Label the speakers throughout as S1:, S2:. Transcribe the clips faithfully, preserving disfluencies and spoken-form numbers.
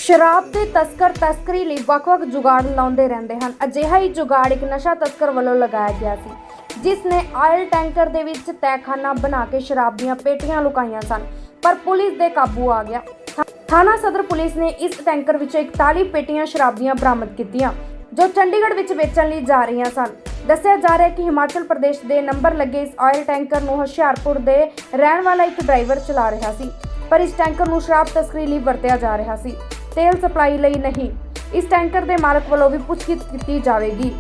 S1: ਸ਼ਰਾਬ ਦੇ ਤਸਕਰ ਤਸਕਰੀ ਲਈ ਵੱਖ-ਵੱਖ ਜੁਗਾੜ ਲਾਉਂਦੇ ਰਹਿੰਦੇ ਹਨ। ਅਜਿਹਾ ਹੀ ਜੁਗਾੜ ਇੱਕ ਨਸ਼ਾ ਤਸਕਰ ਵੱਲੋਂ ਲਗਾਇਆ ਗਿਆ ਸੀ, ਜਿਸ ਨੇ ਆਇਲ ਟੈਂਕਰ ਦੇ ਵਿੱਚ ਤਹਿਖਾਨਾ ਬਣਾ ਕੇ ਸ਼ਰਾਬ ਦੀਆਂ ਪੇਟੀਆਂ ਲੁਕਾਈਆਂ ਸਨ, ਪਰ ਪੁਲਿਸ ਦੇ ਕਾਬੂ ਆ ਗਿਆ। ਥਾਣਾ ਸਦਰ ਪੁਲਿਸ ਨੇ ਇਸ ਟੈਂਕਰ ਵਿੱਚੋਂ ਇਕਤਾਲੀ ਪੇਟੀਆਂ ਸ਼ਰਾਬ ਦੀਆਂ ਬਰਾਮਦ ਕੀਤੀਆਂ, ਜੋ ਚੰਡੀਗੜ੍ਹ ਵਿੱਚ ਵੇਚਣ ਲਈ ਜਾ ਰਹੀਆਂ ਸਨ। ਦੱਸਿਆ ਜਾ ਰਿਹਾ ਹੈ ਕਿ ਹਿਮਾਚਲ ਪ੍ਰਦੇਸ਼ ਦੇ ਨੰਬਰ ਲੱਗੇ ਇਸ ਆਇਲ ਟੈਂਕਰ ਨੂੰ ਹੁਸ਼ਿਆਰਪੁਰ ਦੇ ਰਹਿਣ ਵਾਲਾ ਇੱਕ ਡਰਾਈਵਰ ਚਲਾ ਰਿਹਾ ਸੀ, ਪਰ ਇਸ ਟੈਂਕਰ ਨੂੰ ਸ਼ਰਾਬ ਤਸਕਰੀ ਲਈ ਵਰਤਿਆ ਜਾ ਰਿਹਾ ਸੀ, ਤੇਲ ਸਪਲਾਈ ਲਈ ਨਹੀਂ। ਇਸ ਟੈਂਕਰ ਦੇ ਮਾਲਕ ਵੱਲੋਂ ਵੀ ਪੁੱਛਗਿੱਛ ਕੀਤੀ ਜਾਵੇਗੀ।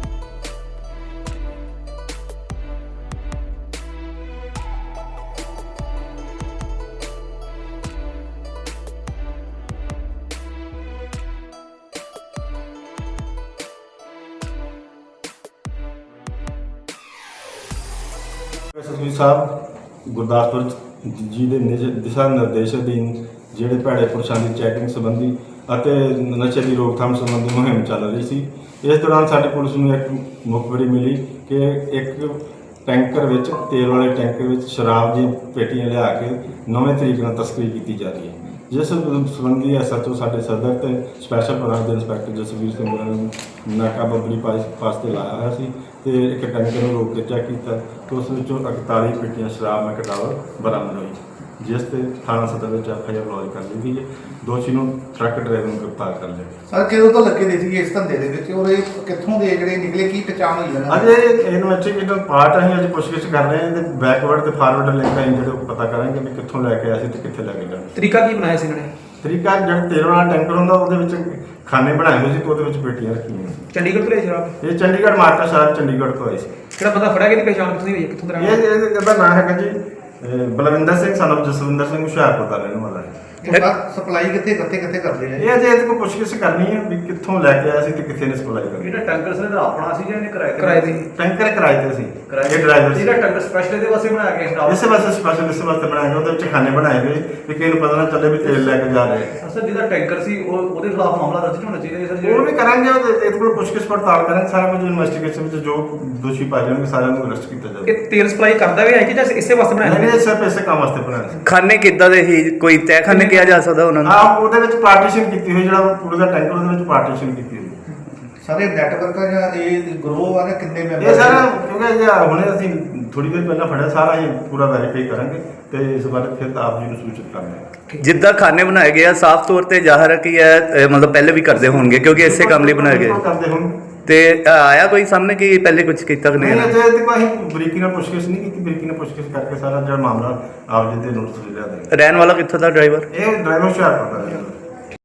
S2: ਐਸਐਸਪੀ ਸਾਹਿਬ ਗੁਰਦਾਸਪੁਰ ਜੀ ਦੇ ਦਿਸ਼ਾ ਨਿਰਦੇਸ਼ ਅਧੀਨ ਜਿਹੜੇ ਭੈੜੇ ਪੁਰਸ਼ਾਂ ਦੀ ਚੈਕਿੰਗ ਸੰਬੰਧੀ ਅਤੇ ਨਸ਼ੇ ਦੀ ਰੋਕਥਾਮ ਸੰਬੰਧੀ ਮੁਹਿੰਮ ਚੱਲ ਰਹੀ ਸੀ। ਇਸ ਦੌਰਾਨ ਸਾਡੀ ਪੁਲਿਸ ਨੂੰ ਇੱਕ ਮੁਖਬਰੀ ਮਿਲੀ ਕਿ ਇੱਕ ਟੈਂਕਰ ਵਿੱਚ ਤੇਲ ਵਾਲੇ ਟੈਂਕਰ ਵਿੱਚ ਸ਼ਰਾਬ ਦੀਆਂ ਪੇਟੀਆਂ ਲਿਆ ਕੇ ਨਵੇਂ ਤਰੀਕੇ ਨਾਲ ਤਸਕਰੀ ਕੀਤੀ ਜਾ ਰਹੀ ਹੈ, ਜਿਸ ਸੰਬੰਧੀ ਐਸਐਚਓ ਸਾਡੇ ਸਦਰ ਤੇ ਸਪੈਸ਼ਲ ਬ੍ਰਾਂਚ ਦੇ ਇੰਸਪੈਕਟਰ ਜਸਵੀਰ ਸਿੰਘ ਹੋਰਾਂ ਨੂੰ ਨਾਕਾਬੰਦੀ ਪਾਸ ਤੇ ਲਾਇਆ ਹੋਇਆ ਸੀ ਤੇ ਇੱਕ ਟੈਂਕਰ ਨੂੰ ਰੋਕ ਕੇ ਚੈੱਕ ਕੀਤਾ ਤੇ ਉਸ ਵਿੱਚੋਂ ਇਕਤਾਲੀ ਪੇਟੀਆਂ ਸ਼ਰਾਬ ਮੈਕਡਾਵਰ ਬਰਾਮਦ ਹੋਈ, ਜਿਸ ਤੇ ਥਾਣਾ ਸਦਰ ਵਿੱਚ ਐਫ ਆਈ ਆਰ ਲੌਜ ਕਰ ਲਈ ਗਈ ਹੈ। ਦੋਸ਼ੀ ਨੂੰ ਟਰੱਕ ਡਰਾਈਵਰ ਨੂੰ ਗ੍ਰਿਫਤਾਰ ਕਰ ਲਿਆ।
S3: ਸਰ ਕਿਦੋਂ ਤੋਂ ਲੱਗੇ ਦੇ ਸੀ ਇਸ ਧੰਦੇ ਦੇ ਵਿੱਚ ਔਰ ਇਹ ਕਿੱਥੋਂ ਦੇ ਜਿਹੜੇ ਨਿਕਲੇ, ਕੀ ਪਛਾਣ ਹੋਈ ਇਹਨਾਂ
S2: ਅਜੇ ਇਨਵੈਸਟੀਗੇਟਿਵ ਪਾਰਟ ਅਸੀਂ ਅੱਜ ਪੁੱਛਗਿੱਛ ਕਰ ਰਹੇ ਹਾਂ ਤੇ ਬੈਕਵਰਡ ਤੇ ਫਾਰਵਰਡ ਲਿੰਕ ਅਸੀਂ ਜਿਹੜੇ ਪਤਾ ਕਰਾਂਗੇ ਵੀ ਕਿੱਥੋਂ ਲੈ ਕੇ ਆਏ ਸੀ ਤੇ ਕਿੱਥੇ ਲੈ ਕੇ ਜਾਣਾ।
S4: ਤਰੀਕਾ ਕੀ ਬਣਾਇਆ ਸੀ ਇਹਨਾਂ ਨੇ?
S2: ਤਰੀਕਾ ਜਿਹੜਾ ਤੇਲ ਵਾਲਾ ਟੈਂਕਰ ਹੁੰਦਾ ਉਹਦੇ ਵਿੱਚ ਖਾਨੇ ਬਣਾਏ ਹੋਏ ਸੀ ਤੇ ਉਹਦੇ ਵਿੱਚ ਪੇਟੀਆਂ ਰੱਖੀਆਂ।
S4: ਚੰਡੀਗੜ੍ਹ ਤੋਂ ਲਿਆ ਸ਼ਰਾਬ?
S2: ਇਹ ਚੰਡੀਗੜ੍ਹ ਮਾਰਕਾ ਸ਼ਹਿਰ ਚੰਡੀਗੜ੍ਹ ਤੋਂ ਆਈ ਸੀ।
S4: ਕਿਹੜਾ ਬੰਦਾ ਫੜਿਆ ਗਿਆ? ਦੀ ਪਛਾਣ ਕਿੱਥੋਂ ਦੀ ਹੋਈ ਹੈ? ਕਿੱਥੋਂ ਦਾ?
S2: ਇਹ ਇਹਦਾ ਨਾਮ ਹੈਗਾ ਜੀ ਅਹ ਬਲਵਿੰਦਰ ਸਿੰਘ ਸਾਨੂੰ ਜਸਵਿੰਦਰ ਸਿੰਘ ਹੁਸ਼ਿਆਰਪੁਰ ਦਾ ਰਹਿਣ ਵਾਲਾ ਹੈ।
S3: ਸਪਲਾਈ ਕਿੱਥੇ ਕਿੱਥੇ ਕਿੱਥੇ ਕਰਦੇ ਨੇ?
S2: ਇਹ ਅਜੇ ਇਹਦੇ ਕੋਲ ਪੁੱਛਗਿੱਛ ਕਰਨੀ ਹੈ ਵੀ ਕਿੱਥੋਂ ਲੈ ਕੇ ਆਇਆ ਸੀ ਤੇ ਕਿੱਥੇ ਨੇ ਸਪਲਾਈ ਕਰਨੀ।
S5: ਇਹਦਾ ਟੈਂਕਰ ਸਰ ਦਾ ਆਪਣਾ ਸੀ ਜਾਂ ਇਹਨੇ ਕਿਰਾਏ ਤੇ?
S4: ਕਿਰਾਏ ਤੇ।
S2: ਟੈਂਕਰ ਕਿਰਾਏ ਤੇ ਸੀ। ਇਹ ਡਰਾਈਵਰ ਸੀ।
S5: ਇਹਦਾ ਟੈਂਕਰ ਸਪੈਸ਼ਲ ਇਹਦੇ ਵਾਸਤੇ ਬਣਾਇਆ ਗਿਆ ਸ਼ਰਾਬ?
S2: ਇਸੇ ਵਾਸਤੇ ਸਪੈਸ਼ਲ ਇਸੇ ਵਾਸਤੇ ਬਣਾਇਆ ਗਿਆ। ਉਹਦੇ ਵਿੱਚ ਖਾਨੇ ਬਣਾਏ ਹੋਏ ਵੀ ਕਿਸੇ ਨੂੰ ਪਤਾ ਨਾ ਚੱਲੇ ਵੀ ਤੇਲ ਲੈ ਕੇ ਜਾ ਰਹੇ।
S5: ਸਰ ਜਿਹਦਾ ਟੈਂਕਰ ਸੀ ਉਹ ਉਹਦੇ ਖਿਲਾਫ ਮਾਮਲਾ ਦਰਜ ਹੋਣਾ ਚਾਹੀਦਾ ਸਰ।
S2: ਉਹ ਵੀ ਕਰਾਂਗੇ, ਇਹਦੇ ਕੋਲ ਪੁੱਛਗਿੱਛ ਪੜਤਾਲ ਕਰਾਂਗੇ। ਸਾਰਾ ਕੁਝ ਇਨਵੈਸਟੀਗੇਸ਼ਨ ਵਿੱਚ ਜੋ ਦੋਸ਼ੀ ਪਾਏ ਜਾਣਗੇ ਸਾਰਿਆਂ ਨੂੰ ਅਰੈਸਟ ਕੀਤਾ ਜਾਵੇਗਾ।
S4: ਕਿ ਤੇਲ ਸਪਲਾਈ ਕਰਦਾ ਵੀ ਹੈ ਕਿ ਜਾਂ ਇਸੇ ਵਾਸਤੇ ਬਣਾਇਆ?
S2: ਨਹੀਂ, ਸਿਰਫ ਇਸੇ ਕੰਮ ਵਾਸਤੇ ਬਣਾਇਆ ਸੀ।
S6: ਖਾਨੇ ਕਿੱਦਾਂ ਦੇ ਸੀ? ਕੋਈ ਤਹਿਖਾਨੇ ਕਿਹਾ ਜਾ ਸਕਦਾ ਉਹਨਾਂ ਨੂੰ?
S2: ਹਾਂ, ਉਹਦੇ ਵਿੱਚ ਪਾਰਟੀਸ਼ਨ ਕੀਤੀ ਹੋਈ, ਜਿਹੜਾ ਪੂਰੇ ਦਾ ਟੈਂਕਰ ਉਹਦੇ ਵਿੱਚ ਪਾਰਟੀਸ਼ਨ ਕੀਤੀ ਹੋਈ।
S3: ਸਾਰੇ ਨੈਟਵਰਕ ਆ ਜਾਂ ਇਹ ਗਰੋਹ ਆ ਜਾਂ ਕਿੰਨੇ ਮੈਂਬਰ?
S2: ਇਹ ਸਾਰਾ ਕਿਉਂਕਿ ਜੇ ਹੁਣੇ ਅਸੀਂ ਥੋੜੀ ਦੇਰ ਪਹਿਲਾਂ ਫੜਿਆ, ਸਾਰਾ ਹੀ ਪੂਰਾ ਵੈਰੀਫਾਈ ਕਰਾਂਗੇ ਤੇ ਇਸ ਬਾਰੇ ਫਿਰ ਆਪ ਜੀ ਨੂੰ ਸੂਚਿਤ ਕਰਾਂਗੇ।
S6: ਜਿੱਦਾਂ ਖਾਨੇ ਬਣਾਏ ਗਏ ਆ, ਸਾਫ਼ ਤੌਰ ਤੇ ਜ਼ਾਹਰ ਹੈ ਕਿ ਇਹ ਮਤਲਬ ਪਹਿਲੇ ਵੀ ਕਰਦੇ ਹੋਣਗੇ ਕਿਉਂਕਿ ਇਸੇ ਕੰਮ ਲਈ ਬਣਾਏ ਗਏ।
S2: ਕਰਦੇ ਹੋਣ
S6: ਤੇ ਆਇਆ ਕੋਈ ਸਾਹਮਣੇ ਕਿ ਪਹਿਲੇ ਕੁਝ ਕੀਤਾ ਕਿ
S2: ਨਹੀਂ?
S6: ਨਹੀਂ?
S2: ਅਜੇ ਤੱਕ ਅਸੀਂ ਬਰੀਕੀ ਨਾਲ ਪੁੱਛਗਿੱਛ ਨਹੀਂ ਕੀਤੀ। ਬਰੀਕੀ ਨਾਲ ਪੁੱਛਗਿੱਛ ਕਰਕੇ ਸਾਰਾ ਜਿਹੜਾ ਮਾਮਲਾ ਆਪ ਜੀ ਦੇ ਨੋਟਿਸ ਲਿਆ ਦੇ।
S6: ਰਹਿਣ ਵਾਲਾ ਕਿੱਥੋਂ ਦਾ ਡਰਾਈਵਰ?
S2: ਇਹ ਡਰਾਈਵਰ ਹੁਸ਼ਿਆਰਪੁਰ ਦਾ ਹੈ।